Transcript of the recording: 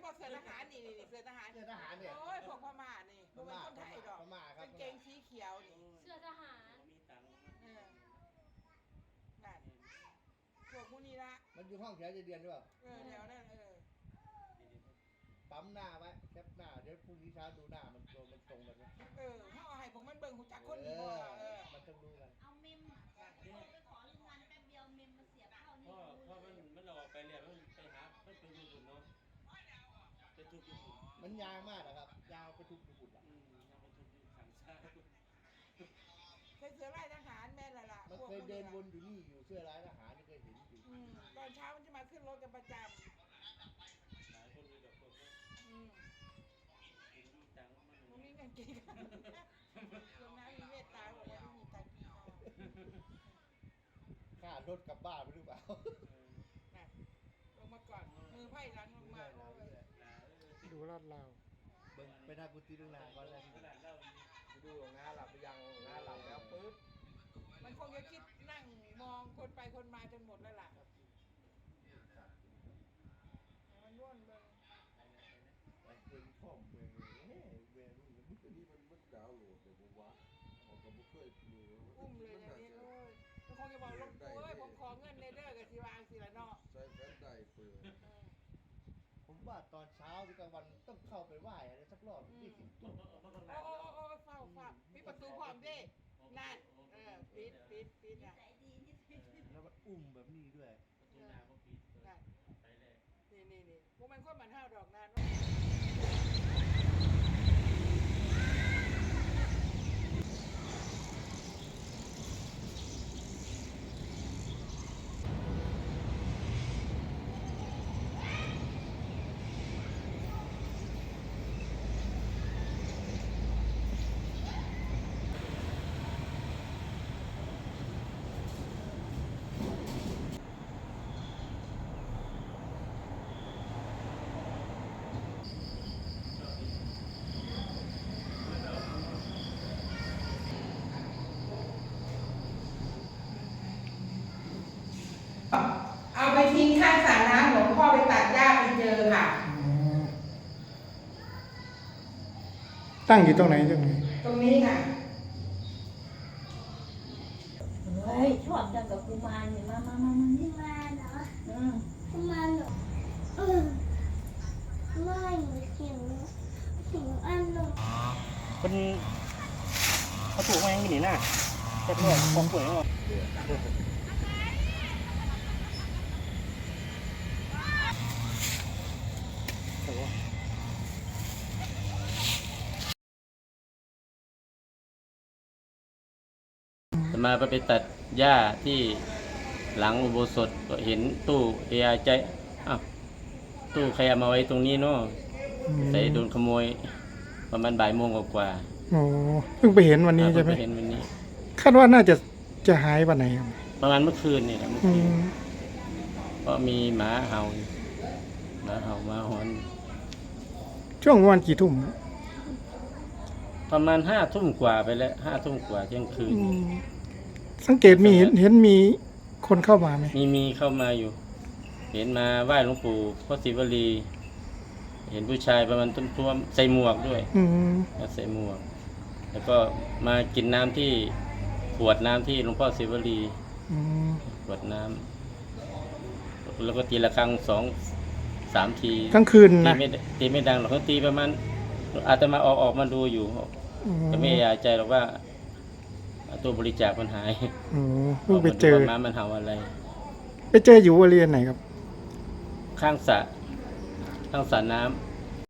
ก็เสื้อทหารนี่เสื้อทหารเนี่ยโอ้ยพวกพม่านี่พวกเป็นคนไทยดอกกางเกงสีเขียวนี่เสื้อทหารนั่นพวกมูนี่ละมันอยู่ห้องแถวเดียนหรือเปล่าแถวนั้นปั๊มหน้าไว้แคปหน้าเดี๋ยวพรุ่งนี้เช้าดูหน้ามันตรงกันไหมเขาเอาให้ผมมันเบิ่งหูจักคนดีมันต้องรู้กันเอาเมมไปขอโรงงานแป๊บเดียวเมมมาเสียบเข้านี่เพราะมันออกไปเรียนมันไปหามันเป็นญี่ปุ่นเนาะเป็นทุกญี่ปุ่นมันยาวมากนะครับยาวไปทุกญี่ปุ่นอ่ะยังเป็นทุกขังซ่าเคยเสื้อลายทหารแม่ละล่ะมันเคยเดินวนอยู่นี่อยู่เสื้อลายทหารนี่เคยเห็นอยู่ตอนเช้ามันจะมาขึ้นรถกันประจำหลายคนมีแบบพวกนี้มีตังค์มันมีเงินเก่งกันลงน้ำมีเมตตาบอกว่าไม่มีตังค์กินข้าวค่ารถกลับบ้านหรือเปล่าลงมาก่อนมือไพ่หลังลงมาดูลาดลาวไปหน้ากุฏิดูนาก่อนเลยดูงาหลับไปยังงาหลับแล้วปึ๊บมันคงจะคิดนั่งมองคนไปคนมาจนหมดแล้วล่ะมันร่วนเบิ่งเป็นข้อมเมืองเมืองมันก็ดีมันดาวโหลดแต่ผมว่าเขาก็ไม่เคยดูอุ้มเลยนะนี่มันคงจะบอกลงตัวผมขอเงินในเด้อกับทีวางสิละเนาะใส่แฟนได้เปิดผมว่าตอนเช้าหรือกลางวันต้องเข้าไปไหว้อะไรสักรอบ20 จุดโอ้เฝ้าปิดประตูพร้อมดินั่นปิดนะแล้วมันอุ้มแบบนี้ด้วยประตูนาก็ปิดไปเลยนี่พวกมันก็มันห้าวดอกนานเอาไปทิ้งข้างสระน้ำหลวงพ่อไปตัดหญ้าไปเจอค่ะตั้งอยู่ตรงไหนตรงนี้ค่ะเฮ้ยชอบจังกับกุมารเนี่ยมากุมารเหรอกุมารเหรอไม่หิวอันหนึ่งคนเขาถูกมาอย่างนี้น่ะแต่ก็ของสวยหมดมาไปตัดหญ้าที่หลังอุโบสถก็เห็นตู้เอไอใจตู้ใครเอามาไว้ตรงนี้เนาะแต่โดนขโมยประมาณบ่ายโมงกว่าโอ้เพิ่งไปเห็นวันนี้ใช่ไหมเห็นวันนี้คาดว่าน่าจะหายวันไหนครับประมาณเมื่อคืนนี่แหละเพราะมีหมาเห่ามาหอนช่วงวันกี่ทุ่มประมาณ5 ทุ่มกว่าไปแล้ว5 ทุ่มกว่าเที่ยงคืนสังเกตมีเห็นมีคนเข้ามาไหมมีเข้ามาอยู่เห็นมาไหว้หลวงปู่พระศิวลีเห็นผู้ชายประมาณต้นท้วมใส่หมวกด้วยใส่หมวกแล้วก็มากินน้ำที่ขวดน้ำที่หลวงพ่อศิวลีขวดน้ำแล้วก็ตีละครั้ง2-3 ทีกลางคืนนะตีไม่ดังหรอกเขาตีประมาณอาตมาออกมาดูอยู่ก็ไม่อยากใจหรอกว่าตัวบริจาคมันหายเพิ่งไปเจอมามันเห่าอะไรไปเจออยู่บริเวณไหนครับข้างสระน้ำ